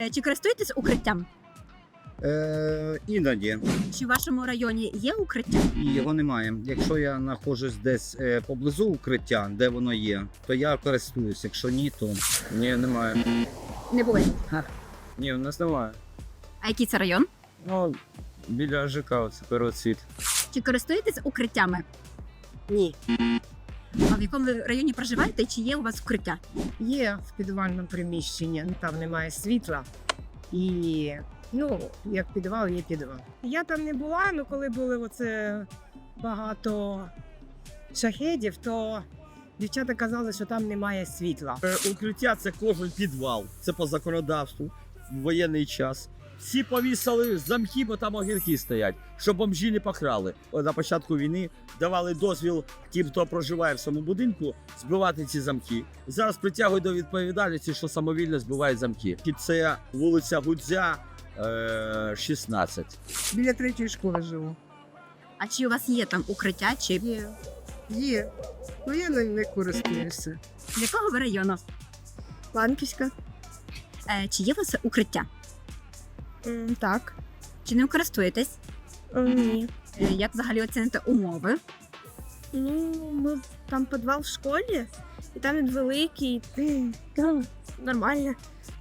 Чи користуєтесь укриттям? Іноді. Чи в вашому районі є укриття? І його немає. Якщо я знаходжусь десь поблизу укриття, де воно є, то я користуюсь. Якщо ні, то Ні, немає. Не було. Ні, у нас немає. А який це район? Ну, біля ЖК, це первоцвіт. Чи користуєтесь укриттями? Ні, А в якому ви районі проживаєте? Чи є у вас укриття? є в підвальному приміщенні, там немає світла. І, як підвал, є підвал. Я там не була, але коли були оце багато шахедів, то дівчата казали, що там немає світла. Укриття це кожен підвал. Це по законодавству в воєнний час. Всі повісили замки, бо там огірки стоять, щоб бомжі не покрали. На початку війни давали дозвіл тим, хто проживає в цьому будинку, збивати ці замки. Зараз притягують до відповідальності, що самовільно збивають замки. І це вулиця Гудзя, 16. Біля третьої школи живу. А чи у вас є там укриття? Чи Є. Ну я не користуюся. з якого ви району? Ланківська? Чи є у вас укриття? Так. Чи не користуєтесь? Ні. Як взагалі оціните умови? Ну, ми там підвал в школі, і там він великий, нормально.